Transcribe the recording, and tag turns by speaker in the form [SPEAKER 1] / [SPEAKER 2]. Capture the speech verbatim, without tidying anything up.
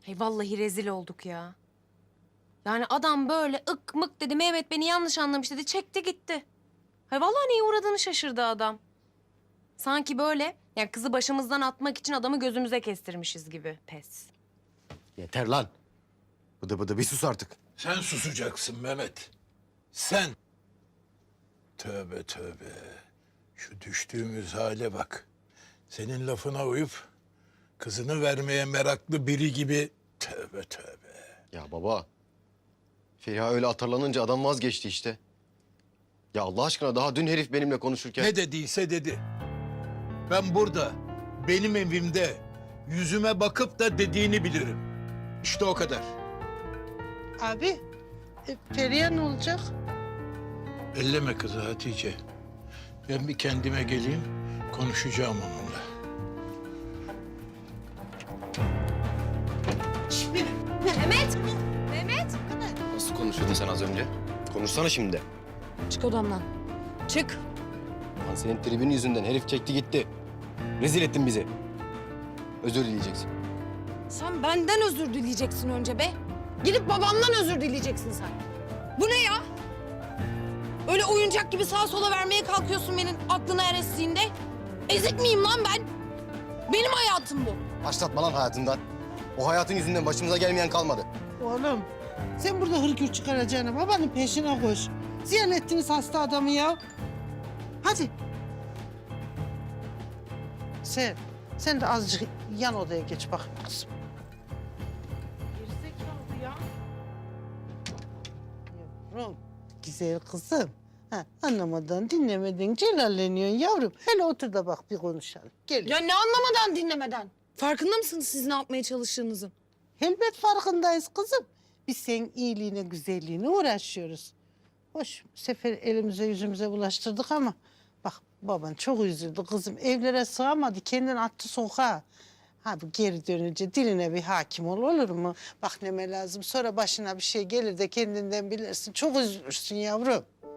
[SPEAKER 1] Hey vallahi rezil olduk ya. Yani adam böyle ık mık dedi, Mehmet beni yanlış anlamış dedi, çekti gitti. Hay vallahi neye uğradığını şaşırdı adam. Sanki böyle yani kızı başımızdan atmak için adamı gözümüze kestirmişiz gibi. Pes.
[SPEAKER 2] Yeter lan. Bıdı bıdı bir sus artık.
[SPEAKER 3] Sen susacaksın Mehmet. Sen. Tövbe tövbe. Şu düştüğümüz hale bak. Senin lafına uyup kızını vermeye meraklı biri gibi tövbe tövbe.
[SPEAKER 2] Ya baba. Feriha öyle atarlanınca adam vazgeçti işte. Ya Allah aşkına daha dün herif benimle konuşurken...
[SPEAKER 3] Ne dediyse dedi. Ben burada, benim evimde yüzüme bakıp da dediğini bilirim. İşte o kadar.
[SPEAKER 4] Abi, e, Feriha ne olacak?
[SPEAKER 3] Elleme kızı Hatice. Ben bir kendime geleyim, konuşacağım onunla.
[SPEAKER 1] Mehmet! Mehmet!
[SPEAKER 2] Nasıl konuşuyordun sen az önce? Konuşsana şimdi.
[SPEAKER 1] Çık odamdan. Çık.
[SPEAKER 2] Lan senin tribün yüzünden herif çekti gitti. Rezil ettin bizi. Özür dileyeceksin.
[SPEAKER 5] Sen benden özür dileyeceksin önce be. Gidip babamdan özür dileyeceksin sen. Bu ne ya? Öyle oyuncak gibi sağa sola vermeye kalkıyorsun benim aklına her estiğinde. Ezik miyim lan ben? Benim hayatım bu.
[SPEAKER 2] Başlatma lan hayatından. O hayatın yüzünden başımıza gelmeyen kalmadı.
[SPEAKER 4] Oğlum, sen burada hırgür çıkaracağına babanın peşine koş. Ziyan ettiniz hasta adamı ya. Hadi. Sen, sen de azıcık yan odaya geç bak kızım. Gerizekalı ya. Yavrum, güzel kızım. Ha, anlamadan, dinlemeden celalleniyorsun yavrum. Hele otur da bak bir konuşalım. Gel.
[SPEAKER 5] Ya ne anlamadan dinlemeden? Farkında mısınız siz ne yapmaya çalıştığınızın?
[SPEAKER 4] Elbet farkındayız kızım. Biz senin iyiliğine, güzelliğine uğraşıyoruz. Hoş, bu sefer elimize yüzümüze bulaştırdık ama... Bak baban çok üzüldü kızım. Evlere sığamadı, kendini attı sokağa. Ha bu geri dönünce diline bir hakim ol, olur mu? Bak neme lazım, sonra başına bir şey gelir de kendinden bilirsin. Çok üzülürsün yavrum.